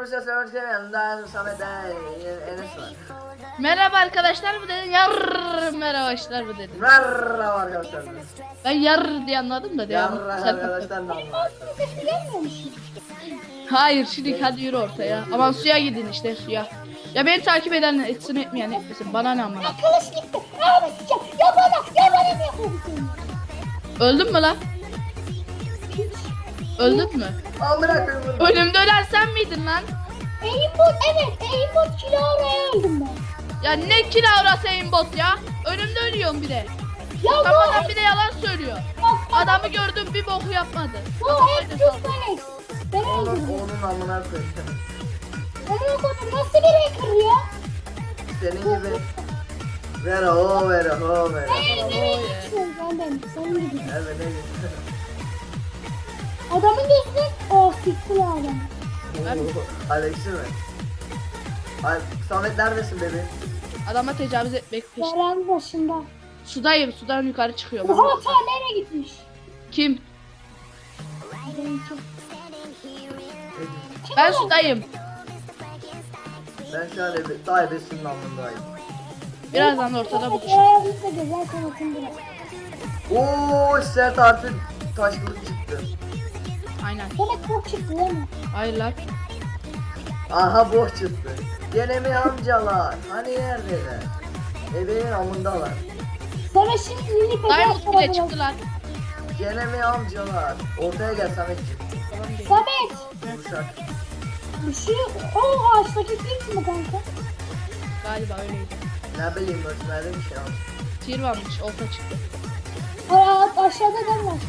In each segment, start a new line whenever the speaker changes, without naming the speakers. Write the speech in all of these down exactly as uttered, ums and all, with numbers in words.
Arkadaşlar selam hoş geldiniz. Samet Enes var.
Merhaba arkadaşlar bu dedim. Yar merhaba arkadaşlar bu dedim.
Merhaba arkadaşlar.
Ben yar diye anladım da devam.
Yarra
Sen-
arkadaşlar da
Hayır şimdi hadi yürü ortaya. Aman suya gidin işte suya. Ya beni takip eden etsin etmeyen etmesin. Bana ne amına.
Kılıç gitti. Abi sıçacağım. Ya bana, ya bana ne yapıyorsun?
Öldün mü lan? Öldün mü?
Amına koyayım.
Önümde ölen sen miydin lan?
Aimbot, evet. Aimbot Kilara'ya öldüm ben.
Ya ne kilavrası aimbot ya? Önümde ölüyorum bir de.
Ya bu
Kafadan bir de yalan söylüyor.
Bak,
Adamı gördüm bir boku yapmadı.
bu hep Türkmenek. Ben
Onun,
öldüm.
onun amına koyayım.
Onun kodu nasıl bir hacker ya?
Senin gibi. Ver o ver o ver.
Ben nereye geçiyorum ben ben. Senin gibi.
Evet ne güzel.
Adamın gözüne oh siktir adam.
Alex'i mi? Ay, Samet neredesin bebeğim?
Adama tecavüz etmek peşinde.
Yaran başında.
Sudayım sudan yukarı çıkıyorum.
Oha ta nereye gitmiş?
Kim?
Benimki.
Ben sudayım.
Ben şu an ebe, daha ebesinin alnındayım.
Birazdan ortada buluşuruz.
Ayağımızda güzel sanatım biraz.
Ooo sert artık taş kılıç çıktı.
Aynen.
Demek çok çıktı değil mi?
Hayır lan.
Aha boş çıktı. Gene mi amcalar? Hani neredeler? Ebeğin amındalar.
Sana şimdi Lili
Diamond bile çıktı lan.
Gene mi amcalar? Ortaya gel Sametciğim.
Samet.
Vuruşak.
Şu o ağaçtaki kim mi kanka?
Galiba öyleydi.
Ne bileyim ölçmede bir şey almış.
Tir varmış olta çıktı.
Aa, aşağıda ben var.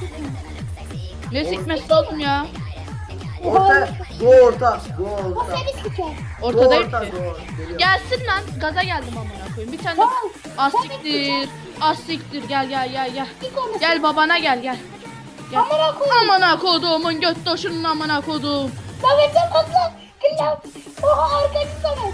Ne sikmesi oğlum ya.
Orta, go orta, go
O
orta.
seni siker.
Go
Ortadayım
orta,
ki.
go. Geliyor.
Gelsin lan. Gaza geldim amına koyayım. Bir tane
Tamam.
asiktir. Asiktir gel gel gel gel.
Sik onu.
Gel babana gel gel. Gel.
Amına koyayım.
Amına koduğumun göt doşunun amına kodum.
Samet'e patla. Kıllav. Oha arkacı Samet.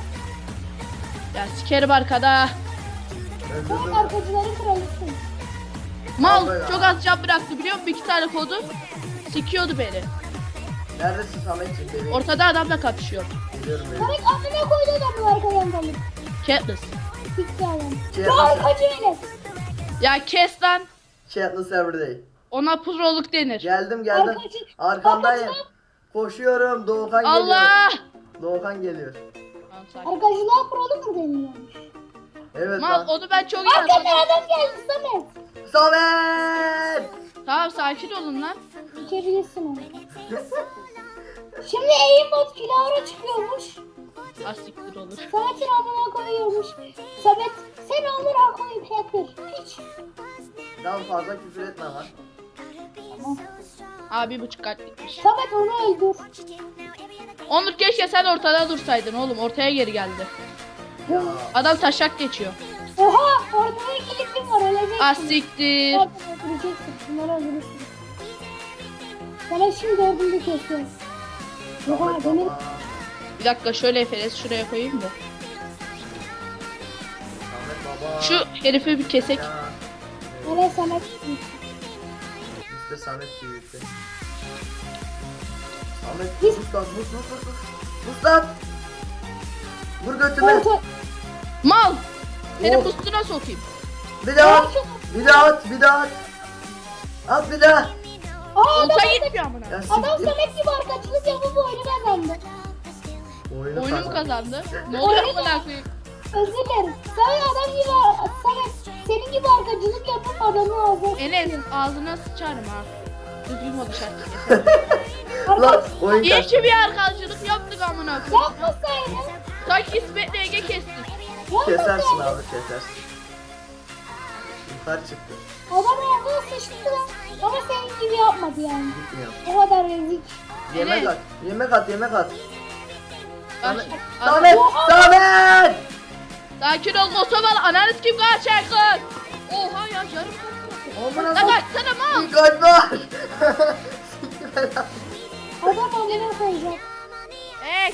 Ya sikerim arkada.
Sen
Öldürdüm.
arkacıların kralısın.
Mal
Vallahi
çok
ya.
az can bıraktı biliyor musun? Bir iki tane kodu. Sikiyordu beni.
Neredesin Sametciğim bebeğim?
Ortada adamla kapışıyor.
Geliyorum bebeğim.
Samet amına koydu adamı arkadan dalıp.
Katniss.
Sikti adam.
Şey
Bu
yapacağım.
arkacı benim.
Ya kes lan.
Chatlı everyday.
Ona proluk denir.
Geldim geldim.
Arkacı-
Arkandayım.
Arkacı-
Koşuyorum. Doğukan geliyor.
Allah.
Doğukan geliyor.
Tamam, sakin.
Arkacılığa prolu mu deniliyormuş?
Evet
Mal
lan.
onu ben çok iyi
Arkadan
anladım.
adam geldi Samet.
Samet!
Tamam sakin olun lan.
Sikebilirsin onu. Şimdi aimbot Kilara çıkıyormuş.
Asiktir olur.
Samet'in amına koyuyormuş. Samet sen amına koyup hacker. Hiç.
Daha fazla küfür etme lan.
Tamam.
Abi bir buçuk kalplikmiş.
Samet onu öldür.
Onur keşke sen ortada dursaydın oğlum. Ortaya geri geldi.
Ya.
Adam taşak geçiyor.
Oha ortada kilitlim var öleceksin.
Asiktir.
Ortada öldüreceksin. Bunları öldürürsün. Samet şimdi dördüncü kesiyor. Oha
Samet
benim
baba.
Bir dakika şöyle Efes şuraya koyayım da.
Samet baba.
Şu herifi bir kesek.
Ya.
hele Samet.
İşte Samet büyüktü. Samet
Biz-
mus lan mus mus mus mus. Mus lan. Vur götüme.
Orta.
Mal. Seni
Oh.
bustuna sokayım.
Bir daha at. Bir daha at. Bir daha at. At bir daha.
Aa adam,
Olta gitmiyor amına.
Ya
adam
siktir.
Samet gibi arkadaşlık yapıp oyunu kazandı.
Oyunu
Oyunu mu
kazandı.
kazandı? Ne oluyor amına koyayım?
Özür dilerim. Samet adam gibi Samet senin gibi arkadaşlık yapıp adamı ağzına
Enes ağzına sıçarım ha. Düzgün konuş artık.
Lan oyun
İyi
kaçtı.
ki bir arkadaşlık yaptık amına koyayım.
yapmasaydın.
Sanki İsmet'le Ege kestik.
Kesersin
Yapmasaydın.
abi kesersin. Yukarı çıktı.
Adam ağzına sıçtı lan. Ama senin gibi yapmadı yani.
Gitmiyor.
O kadar rezil.
Yemek
Evet.
at. Yemek at yemek at.
Bak,
Samet.
adam-
Samet. Samet.
Sakin ol Mosoval ananız kim kaçacak lan? Oha ya yarım
Aman
Lan
Allah'ım.
kaçsana mal.
Dikkat var.
Adam amına koyacak.
Eee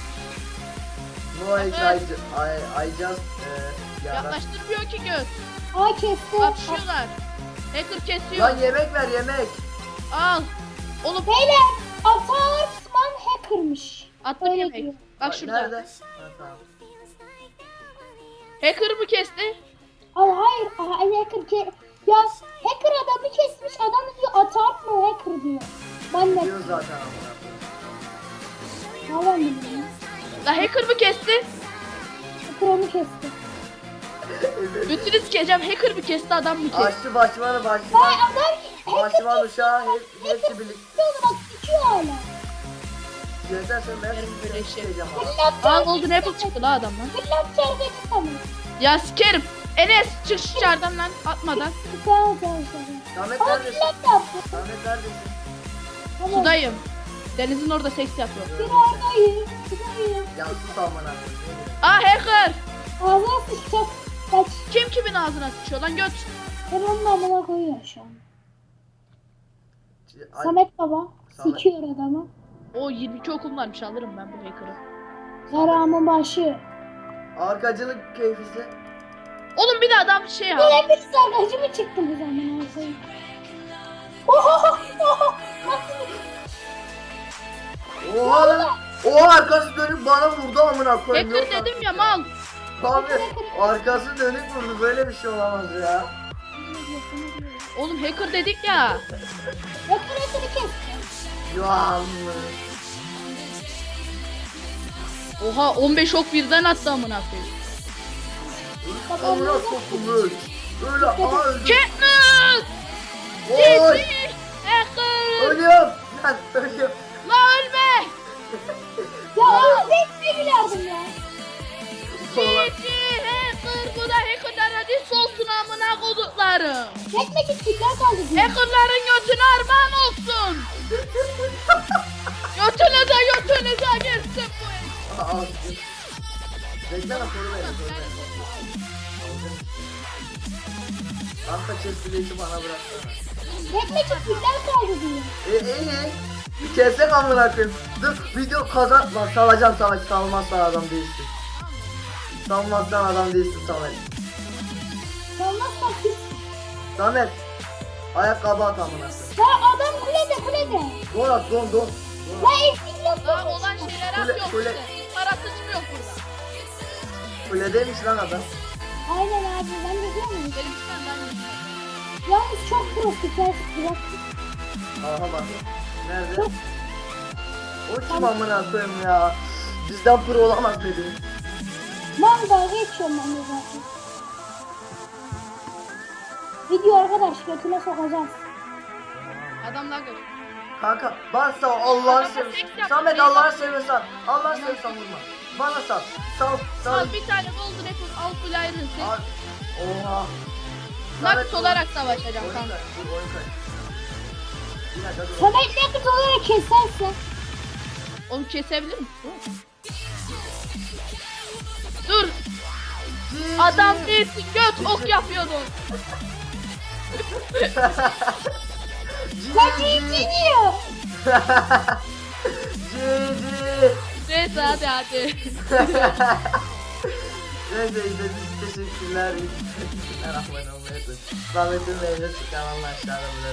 No I, I, I, I just uh, yarak.
yaklaştırmıyor ki göz.
Ay kesti.
Kapışıyorlar. Hacker kesiyor.
Lan yemek ver yemek.
Al. Oğlum
Beyler Atarsman hackermış.
Attım
Öyle
yemek.
diyor.
Bak şurada.
Nerede? Ha, tamam.
Hacker mı kesti?
Ay hayır. Aha, hacker ke ya hacker adamı kesmiş. Adam diyor atar mı hacker diyor. Ben de
Diyor zaten amına
tamam dedim.
La hacker mı kesti?
Hacker onu kesti.
koyayım.
Götünü sikeceğim. Hacker mı kesti adam mı kesti?
Açtı başmanı
Vay
başman.
adam
Başman uşağı hep, hepsi birlikte.
onu bak sikiyor hala.
Yeter sen ben
Yerim böyle
seni
şey.
sikeceğim abi.
Fırlat
Aa
çarpı.
golden apple çıktı la adamdan.
Fırlat çarpı tamam.
Ya sikerim. Enes çık şu çardan lan atmadan.
Tamam tamam tamam.
Samet
Ama
neredesin?
fırlat yaptı.
Samet neredesin?
Tamam.
Sudayım. Denizin orada seks yapıyor.
Bir oradayım. Sudayım.
Ya sus amına koyayım.
Aa hacker.
Ağzına sıçacak. Kaç.
Kim kimin ağzına sıçıyor lan göt.
Ben onun amına koyuyor şu an.
Ay,
Samet baba.
Samet.
Sikiyor adamı.
O yirmi iki okum varmış alırım ben bu hacker'ı.
Yaramın başı.
Arkacılık keyfisi.
Oğlum bir de adam şey ya.
Böyle bir sargacı mı çıktı bu zaman olsaydı? Oho! Oho!
Oha lan. Oha arkası dönüp bana vurdu amına koyayım.
Hacker
Yok
dedim
artık
ya mal.
Abi arkası dönük vurdu böyle bir şey olamaz ya.
Oğlum hacker dedik ya.
Yakın yakını kesti.
Yuh.
Oha on beş ok birden attı amına koyayım.
Amına sokulur. Böyle aha öldüm.
Katniss!
Oy.
Cici! Hacker!
Ölüyorum. Lan ölüyorum.
La ölme!
Ya oğlum ben ne gülerdim ya.
Sola.
Cici! Hacker! Bu da hackerlar hadi solsun amına koduklarım.
Çekmek istiyorlar kaldı diyor.
Hackerların götüne armağan olsun. Götünüze götünüze girsin bu hacker.
Aa, al. Bekleme koru beni koru beni. Arka chestplate'i bana bıraksana.
Çekmek istiyorlar kaldı diyor.
E iyi. Bir kessek amına koyayım. Dur video kazan. Lan salacağım Samet. Salmazsan adam değilsin. Salmazsan adam değilsin Samet.
Salmazsan pis.
Samet. Ayakkabı at amına koyayım.
Ya adam kulede kulede.
Don at don don.
Ya eksik yok.
Daha olan şeyler
Kule-
atıyor
kule-
işte. Para sıçmıyor burada.
Kuledeymiş lan adam.
Aynen abi ben de diyorum.
Benim üstten ben de.
Yalnız çok prostik. Ben bırak.
Aha bak. Nerede? O kim amına koyayım ya? Bizden pro olamaz dedi.
Manga geçiyorum ben de zaten. Video arkadaş götüne sokacağız.
Adamlar gör.
Kanka bana sal Allah'ını
Adama
seversen.
seks yap,
Samet
seks
Allah'ını
yap.
seversen. Allah'ını seversen vurma. Bana sal. Sal sal.
Al bir tane golden apple al full iron set.
Al. Oha.
Nakit olarak savaşacağım
Oyun
kanka.
kaç, dur, oyun kaç. Bir dakika dur.
Samet ne kız olarak keserse.
Onu kesebilir misin? Dur.
Cici.
Adam değilsin göt ok yapıyordun.
Ya cici diyor.
Cici.
Neyse hadi hadi.
Neyse izlediğiniz için teşekkürler. Bismillahirrahmanirrahim. Samet'in meyve çıkan Allah aşağıda bırak.